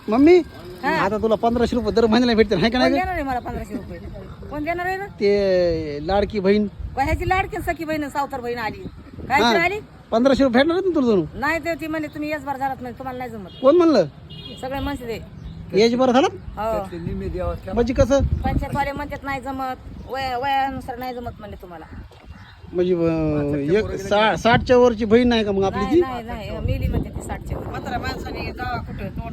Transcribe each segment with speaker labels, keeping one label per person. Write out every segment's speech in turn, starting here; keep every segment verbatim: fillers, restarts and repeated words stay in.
Speaker 1: Mummy आता तुला पंधराशे रुपये दर महिन्याला भेटते नाही का
Speaker 2: कोण
Speaker 1: नाही
Speaker 2: देणार आहे मला पंधराशे रुपये? कोण देणार आहे ना?
Speaker 1: ते लाडकी बहीण
Speaker 2: ह्याची लाडकी सखी बहीण सावतर बहीण आली काय
Speaker 1: हा.
Speaker 2: आली
Speaker 1: पंधराशे रुपये भेटणार आहेत ना तुला जणू
Speaker 2: नाही ते ती म्हणे तुम्ही येस बार झालात नाही तुम्हाला नाही जमत
Speaker 1: कोण म्हणलं
Speaker 2: सगळे म्हणते ते
Speaker 1: एज बरं झालं
Speaker 2: हो
Speaker 1: म्हणजे कसं
Speaker 2: पंचायतवाले म्हणतात नाही जमत वय वयानुसार नाही जमत म्हणले तुम्हाला
Speaker 1: म्हणजे अं, एक सा- साठच्या वरची बहीण नाही का मग आपली
Speaker 2: नाही
Speaker 1: ती
Speaker 2: नाही नाही मेली म्हणते ती साठच्या म्हातारा माणसाने जावा कुठं तोंड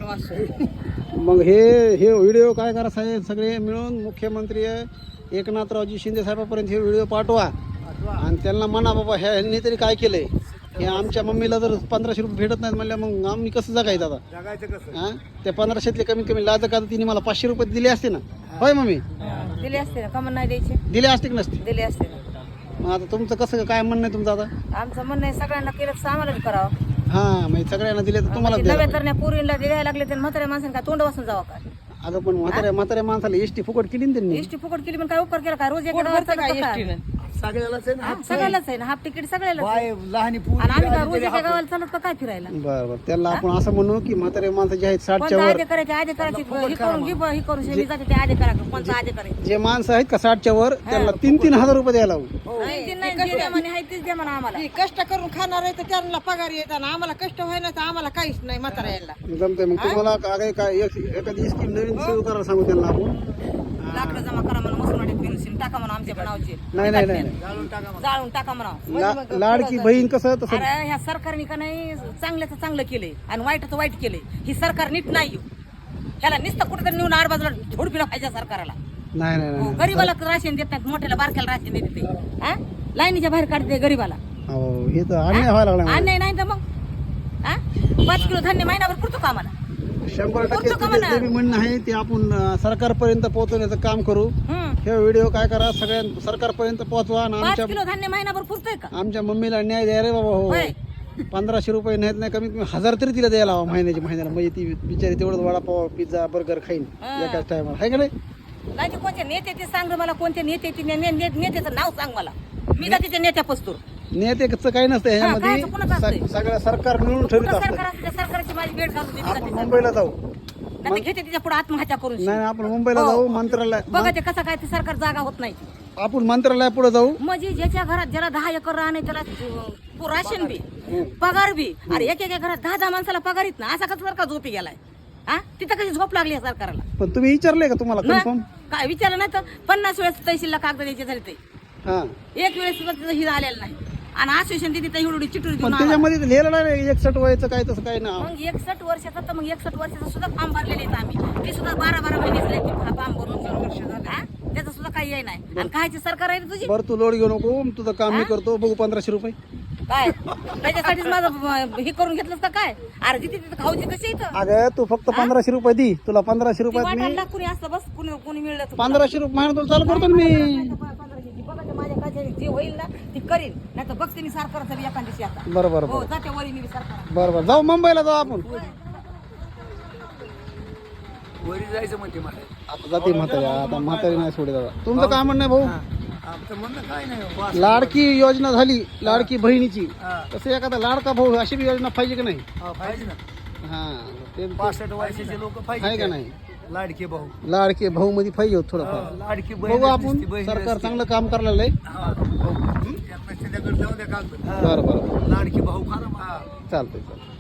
Speaker 2: वाचतो
Speaker 1: मग हे हे व्हिडिओ काय करा साहेब सगळे मिळून मुख्यमंत्री एकनाथरावजी शिंदे साहेबापर्यंत हे व्हिडिओ पाठवा आणि त्यांना म्हणा बाबा ह्यांनी तरी काय केलंय हे आमच्या मम्मीला जर पंधराशे रुपये भेटत नाहीत म्हणल्या मग आम्ही कसं जगायचं आता
Speaker 3: जगायचं कसं
Speaker 1: हा त्या पंधराशेतले कमीत कमी लाज का तिने मला पाचशे रुपये दिले असते ना होय मम्मी
Speaker 2: दिले असते ना कमन नाही द्यायचे
Speaker 1: दिले असते की नसते
Speaker 2: दिले असते ना
Speaker 1: मग आता तुमचं कसं काय म्हणणं आहे तुमचं आता
Speaker 2: आमचं म्हणणं आहे सगळ्यांना केलं तर आम्हाला बी करावं
Speaker 1: हा म्हणजे सगळ्यांना दिले तर तुम्हाला
Speaker 2: म्हणजे नव्या
Speaker 1: द्यायला.
Speaker 2: तरण्या पोरींना द्यायला लागले तर म्हाताऱ्या माणसाने काय तोंड वाचून जावं का
Speaker 1: अगं पण म्हाताऱ्या म्हाताऱ्या माणसाला एसटी फुकट केली ना त्यांनी
Speaker 2: एसटी फुकट केली पण काय उपकार केला का रोज एक गावात चालत का?
Speaker 3: सगळ्यालाच आहे ना
Speaker 2: हा, सगळ्यालाच आहे ना हाफ तिकीट सगळ्यालाच आहे.
Speaker 3: बाय लहानी
Speaker 2: आणि आम्ही काय रोज
Speaker 3: पूर
Speaker 2: एका गावाला चालत का काय फिरायला
Speaker 1: बरं बरं त्याला आपण असं म्हणू की म्हातारे माणसं जे आहेत साठच्या
Speaker 2: कोणता
Speaker 1: वर
Speaker 2: आधी करायचे आधी करायचे हे करून घे हे करून मी जाते ते आधी करा कोणता आधी करायचे
Speaker 1: जे माणसं आहेत का साठच्या वर त्यांना तीन तीन हजार रुपये द्यायला लावू
Speaker 2: तीन तीन नाही जे द्या म्हणे आहे तेच द्या म्हणा आम्हाला
Speaker 4: कष्ट करून खाणार आहे तर त्यांना पगार येतात ना आम्हाला कष्ट व्हायला तर आम्हाला काहीच नाही म्हातारा यायला
Speaker 1: जमतंय मग तुम्हाला काय काय एक- एखादी स्कीम नवीन सुरू करायला सांगू त्यांना आपण
Speaker 2: लाकडं जमा करा म्हणून मसूरवाडीत फिरून टाका म्हणा आमच्या बनावचे
Speaker 1: नाही नाही नाही
Speaker 2: जाळून टाका म्हणा
Speaker 1: ला- लाडकी बहीण कसं तसं
Speaker 2: अरे ह्या सरकारने का नाही चांगल्याचं चांगलं केलंय आणि वाईटाचं वाईट केलंय ही सरकार नीट नाही हो. ह्याला नुसतं कुठेतरी नेऊन आड बाजूला झोडपिला पाहिजे सरकारला
Speaker 1: नाही नाही
Speaker 2: हो,
Speaker 1: नाही
Speaker 2: गरीबाला राशन देत नाहीत मोठ्याला बारक्याला राशन देते ते हा लाईनीच्या बाहेर काढते गरीबाला
Speaker 1: हो हे तर अन्याय व्हायला लागला मला.
Speaker 2: अन्याय नाही तर मग हा पाच किलो धान्य महिनाभर पुरतो का आम्हाला
Speaker 1: शंभर टक्के
Speaker 2: पुरतो का
Speaker 1: तुझं
Speaker 2: म्हणा?
Speaker 1: जे बी म्हणणं आहे ते आपण अं, सरकारपर्यंत पोहोचवण्याचं काम करू
Speaker 2: हम्म.
Speaker 1: हे व्हिडिओ काय करा सगळ्या सरकारपर्यंत पोहोचवा आणि
Speaker 2: पाच
Speaker 1: आमच्या
Speaker 2: किलो धान्य महिनाभर पुरतोय का
Speaker 1: आमच्या मम्मीला न्याय द्या रे बाबा हो
Speaker 2: होय.
Speaker 1: पंधराशे रुपये नाहीत नाही कमीत कमी हजार तरी तिला द्यायला हवा महिन्याची महिन्याला म्हणजे ती बिचारी तेवढं वडापाव पिझ्झा बर्गर खाईन
Speaker 2: हा.
Speaker 1: एकाच टायमाला आहे का नाही
Speaker 2: नाही ते कोणते नेते ते सांग रे मला कोणते नेते ते ने- ने- नेत्याचं नाव सांग मला मी जाते त्या नेत्या पस्तूर
Speaker 1: नेतेचं काही नसतं ह्याच्यामध्ये
Speaker 2: कायचं कोणाचं असतंय?
Speaker 1: सग- सगळं सरकार मिळून ठरवित
Speaker 2: कुठं
Speaker 1: असतं
Speaker 2: सरकार असतं त्या सरकारची माझी भेट घालून देते
Speaker 1: आपण
Speaker 2: जाते
Speaker 1: मुंबईला जाऊ
Speaker 2: नाही घेते तिच्या पुढे आत्महत्या करून
Speaker 1: नाही नाही, आपण मुंबईला
Speaker 2: हो.
Speaker 1: जाऊ मंत्रालय
Speaker 2: बघा ते कसं काय ते सरकार जागा होत नाही
Speaker 1: आपण मंत्रालय पुढे जाऊ
Speaker 2: म्हणजे ज्याच्या घरात ज्याला दहा एकर राहणे त्याला अं, राशन बी पगार बी अरे एक एक घरात दहा दहा माणसाला पगार येत ना असा कसं सरकार झोपी गेलाय हा तिथं कशी झोप लागली या सरकारला
Speaker 1: पण तुम्ही विचारले का तुम्हाला
Speaker 2: ना?
Speaker 1: कन्फर्म
Speaker 2: काय विचारलं नाही तर पन्नास वेळेस तहसीलला कागद द्यायचे झाले ते
Speaker 1: हा
Speaker 2: एक वेळेस सुद्धा तिथं हिरा आलेला नाही आणि आश्वासन दिली तर एवढी चिटूर
Speaker 1: पण
Speaker 2: घेऊन आला.
Speaker 1: त्याच्यामध्ये तर लिहिलं नाही एकसठ वयाचं काय तसं काय ना
Speaker 2: मग एकसष्ट वर्षाचा तर मग एकसष्ट वर्षाचा सुद्धा फॉर्म भरलेले आहेत आम्ही ते सुद्धा बारा बारा महिने फॉर्म भरून चार वर्ष झाले हा? त्याचं सुद्धा काही आहे नाही आणि कायची सरकार आहे रे तुझी
Speaker 1: बरं तू लोड घेऊ नको तुझं काम मी करतो बघू पंधराशे रुपये
Speaker 2: काय त्याच्यासाठीच माझं अं, हे करून घेतलंस का काय अरे जिथे तिथे खाऊची कशी इथं
Speaker 1: अगं तू फक्त पंधराशे रुपये दी तुला पंधराशे
Speaker 2: ती
Speaker 1: रुपयात मी
Speaker 2: वाटायला कुणी असतं बस कुणी कुणी मिळलं तर
Speaker 1: पंधराशे रुपये महिना तुला चालू करतो ना मी
Speaker 2: पंधराशेची. बघा ते माझ्या काळजी जे होईल ना ती करीन नाही तर बघते मी सरकारचं बी एखाद्या दिवशी आता
Speaker 1: बरं बरं
Speaker 2: हो
Speaker 1: बरं
Speaker 2: जाते वरी मी सरकार
Speaker 1: बरं बरं जाऊ मुंबईला जाऊ आपण
Speaker 3: वरी जायचं म्हणते मला
Speaker 1: आता जाते म्हातारी आता म्हातारी नाही सोडे दादा तुमचं काय म्हणणं आहे भाऊ
Speaker 3: आमचं म्हणणं काय नाही वास-
Speaker 1: लाडकी योजना झाली लाडकी बहिणीची
Speaker 3: हा.
Speaker 1: तसं एखादा लाडका भाऊ अशी बी योजना पाहिजे की नाही
Speaker 3: हा, पाहिजे ना
Speaker 1: हा ते
Speaker 3: पासष्ट वर्षाचे लोक
Speaker 1: आहे
Speaker 3: पाहिजे
Speaker 1: का नाही
Speaker 3: लाडके भाऊ
Speaker 1: लाडके भाऊ मध्ये पाहिजे होत थोडंफार
Speaker 3: लाडकी बहीण
Speaker 1: बघू आपण
Speaker 3: असते, बहीण
Speaker 1: सरकार
Speaker 3: असते.
Speaker 1: चांगलं काम करायला आहे
Speaker 3: हा. त्यांना त्याच्याकडे जाऊ द्या कागद.
Speaker 1: बरं बरं
Speaker 3: लाडकी भाऊ खा ना.
Speaker 1: चालतंय चालतंय